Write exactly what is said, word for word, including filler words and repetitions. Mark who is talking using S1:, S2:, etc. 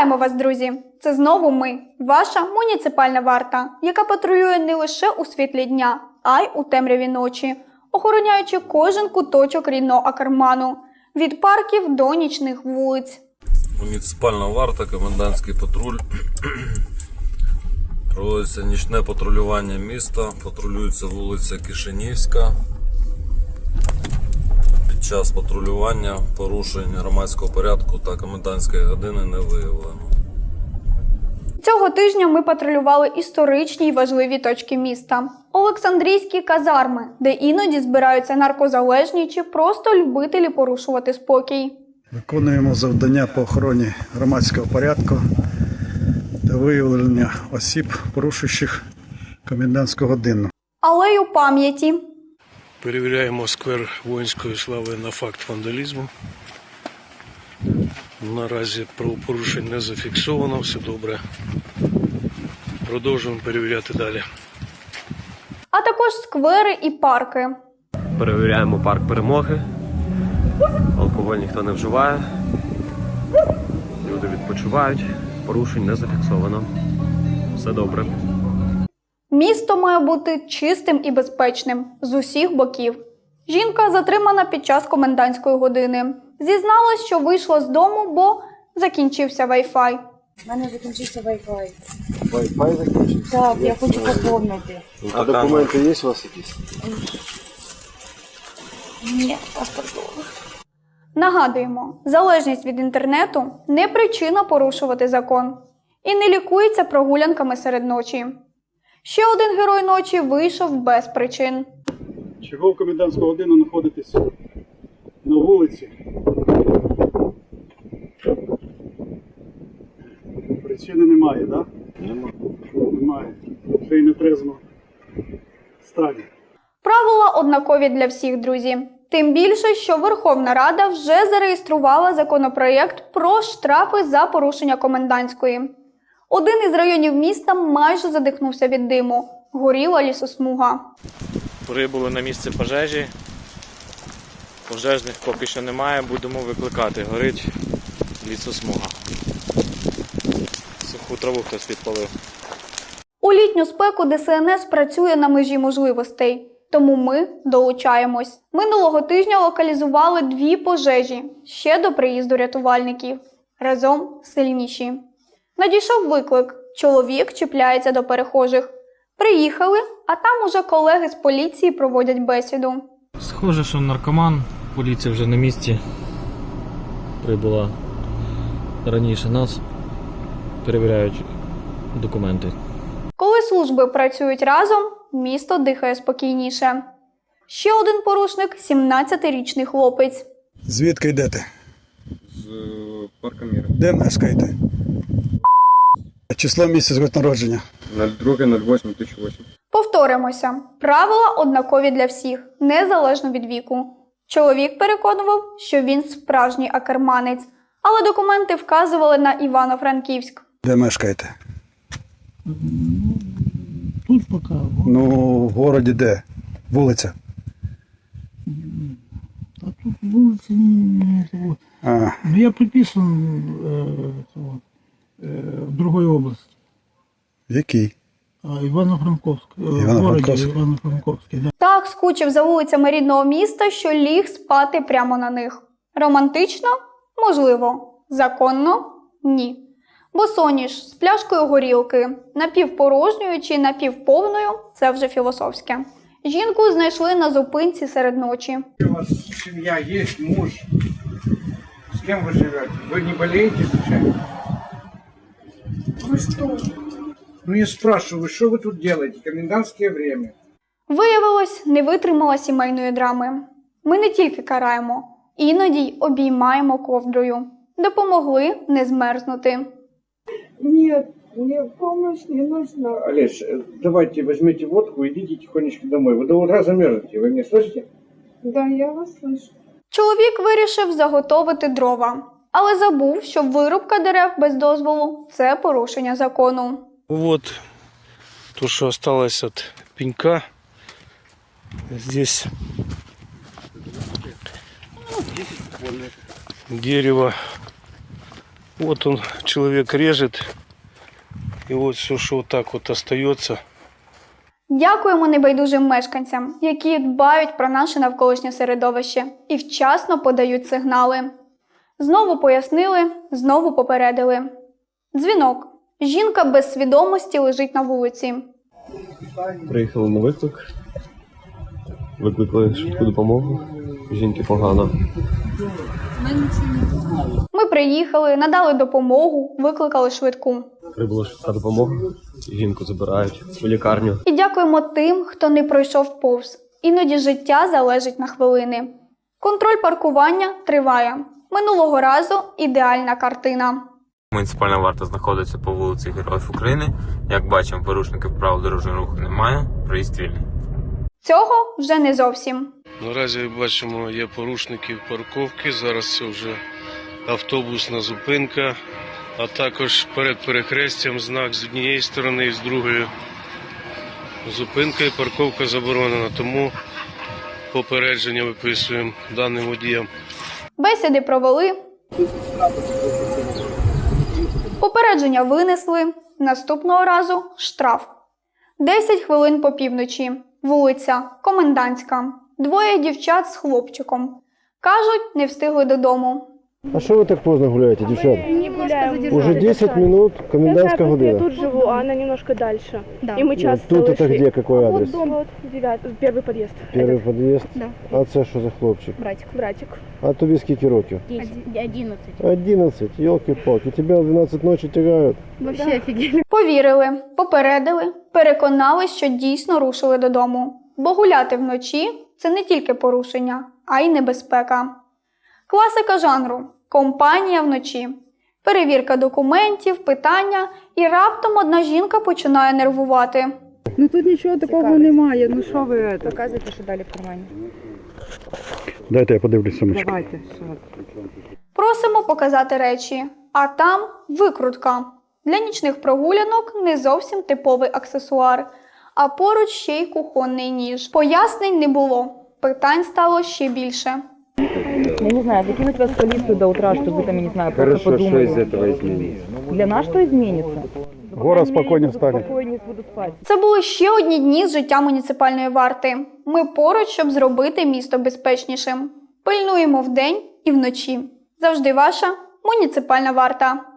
S1: Вітаємо вас, друзі! Це знову ми, ваша муніципальна варта, яка патрулює не лише у світлі дня, а й у темряві ночі, охороняючи кожен куточок рідного Акерману, від парків до нічних вулиць.
S2: Муніципальна варта, комендантський патруль. Проводиться нічне патрулювання міста, патрулюється вулиця Кишинівська. Під час патрулювання порушень громадського порядку та комендантської години не виявлено.
S1: Цього тижня ми патрулювали історичні й важливі точки міста. Олександрійські казарми, де іноді збираються наркозалежні чи просто любителі порушувати спокій.
S3: Виконуємо завдання по охороні громадського порядку та виявлення осіб, порушуючих комендантську годину.
S1: Алею пам'яті.
S4: Перевіряємо сквер воїнської слави на факт вандалізму. Наразі правопорушень не зафіксовано, все добре. Продовжуємо перевіряти далі.
S1: А також сквери і парки.
S5: Перевіряємо парк Перемоги. Алкоголь ніхто не вживає. Люди відпочивають. Порушень не зафіксовано. Все добре.
S1: Місто має бути чистим і безпечним з усіх боків. Жінка затримана під час комендантської години. Зізналась, що вийшла з дому, бо закінчився Wi-Fi.
S6: У мене закінчився Wi-Fi.
S7: Wi-Fi закінчився?
S6: Так, я хочу поповнити.
S7: А документи є у вас якісь?
S6: Ні, паспорту.
S1: Нагадуємо, залежність від інтернету – не причина порушувати закон. І не лікується прогулянками серед ночі. Ще один герой ночі вийшов без причин.
S3: Чого в комендантську годину знаходитесь на вулиці? Причини немає, так? Да?
S7: Немає.
S3: Немає. Ще й не трезвно стані.
S1: Правила однакові для всіх, друзі. Тим більше, що Верховна Рада вже зареєструвала законопроєкт про штрафи за порушення комендантської. Один із районів міста майже задихнувся від диму. Горіла лісосмуга.
S8: Прибули на місце пожежі. Пожежних поки що немає, будемо викликати. Горить лісосмуга. Суху траву хтось підпалив.
S1: У літню спеку Де Се Ен Ес працює на межі можливостей. Тому ми долучаємось. Минулого тижня локалізували дві пожежі, ще до приїзду рятувальників. Разом сильніші. Надійшов виклик. Чоловік чіпляється до перехожих. Приїхали, а там уже колеги з поліції проводять бесіду.
S9: Схоже, що наркоман. Поліція вже на місці. Прибула раніше нас. Перевіряють документи.
S1: Коли служби працюють разом, місто дихає спокійніше. Ще один порушник – сімнадцятирічний хлопець.
S3: Звідки йдете?
S7: З парка Міра.
S3: Де мешкаєте? Число, місяць, год народження.
S7: нуль два нуль восемь дві тисячі восьмий.
S1: Повторимося. Правила однакові для всіх, незалежно від віку. Чоловік переконував, що він справжній акерманець, але документи вказували на Івано-Франківськ.
S3: Де мешкаєте?
S10: Тут пока.
S3: Ну, в городі де? Вулиця?
S10: А тут вулиці не того.
S3: А,
S10: Ну, я приписан э, того, э, в другой области.
S3: в якій?
S10: А, Ивано-Франковск. Э, в
S3: Ивано-Франковск.
S10: городе Ивано-Франковске, да.
S1: Так скучив за вулицями рідного міста, що ліг спати прямо на них. Романтично? Можливо. Законно? Ні. Босоніж з пляшкою горілки, напівпорожньою чи напівповною – це вже філософське. Жінку знайшли на зупинці серед ночі.
S11: У вас семья есть, муж? С кем вы живете? Вы не болеете случайно?
S6: Ви що?
S11: Ну я спрашиваю, что вы тут делаете? Комендантское время.
S1: Виявилось, не витримала сімейної драми. Ми не тільки караємо, іноді й обіймаємо ковдрою. Допомогли не змерзнути.
S6: Нет, мне помощь не нужна.
S11: Олесь, давайте возьмите водку и идите тихонечко домой. Вы до утра замерзнете, вы меня слышите?
S6: Да, я вас слышу.
S1: Чоловік вирішив заготовити дрова, але забув, що вирубка дерев без дозволу – це порушення закону.
S4: Вот то, что осталось от пенька. Здесь дерево Вот он, человек режет, и вот все, что вот так вот остается.
S1: Дякуємо небайдужим мешканцям, які дбають про наше навколишнє середовище і вчасно подають сигнали. Знову пояснили, знову попередили. Дзвінок. Жінка без свідомості лежить на вулиці.
S5: Приїхали на виклик. Викликали швидку допомогу. Жінки погано.
S1: Ми приїхали, надали допомогу, викликали швидку.
S5: Прибула швидка допомога. Жінку забирають у лікарню.
S1: І дякуємо тим, хто не пройшов повз. Іноді життя залежить на хвилини. Контроль паркування триває. Минулого разу ідеальна картина.
S8: Муніципальна варта знаходиться по вулиці Героїв України. Як бачимо, порушників правил дорожнього руху немає, проїзд вільний.
S1: Цього вже не зовсім.
S4: Наразі бачимо, є порушників парковки. Зараз це вже автобусна зупинка, а також перед перехрестям знак з однієї сторони і з другої. Зупинка і парковка заборонена, тому попередження виписуємо даним водіям.
S1: Бесіди провели. Попередження винесли. Наступного разу штраф. десять хвилин по півночі. Вулиця Комендантська. Двоє дівчат з хлопчиком. Кажуть, не встигли додому.
S7: А що ви так поздно гуляєте, дівчата?
S6: Не гуляем.
S7: Уже десять минут, комендантська
S6: Я
S7: година.
S6: тут живу, а она немножко дальше.
S1: Да.
S6: И мы часто
S7: Тут это
S6: шли.
S7: где, какой адрес?
S6: Вот дом, вот девятый, первый подъезд.
S7: Перший під'їзд?
S6: Да.
S7: А це що за хлопчик?
S6: Братик. Братик.
S7: А тобі скільки років?
S6: Одиннадцать.
S7: одинадцять, елки-палки. Тебя в двенадцать ночі тягають.
S6: Вообще офигели.
S1: Повірили, попередили, переконали, що дійсно рушили додому. Бо гуляти вночі – це не тільки порушення, а й небезпека. Класика жанру – компанія вночі. Перевірка документів, питання, і раптом одна жінка починає нервувати.
S6: Ну тут нічого такого немає, ну що ви это?
S12: Показуйте, що далі в кармані.
S3: Дайте я подивлюсь сумочку.
S6: Давайте.
S1: Просимо показати речі, а там викрутка. Для нічних прогулянок не зовсім типовий аксесуар, а поруч ще й кухонний ніж. Пояснень не було, питань стало ще більше.
S12: Я не знаю, закинуть вас в полицию до утра, чтобы вы там, я не знаю, просто подумали.
S7: что из этого изменится?
S12: Для нас что изменится?
S3: Город спокойнее станет.
S12: Спокойнее буду спать.
S1: Це були ще одні дні з життя муніципальної варти. Ми поруч, щоб зробити місто безпечнішим. Пильнуємо вдень і вночі. Завжди ваша муніципальна варта.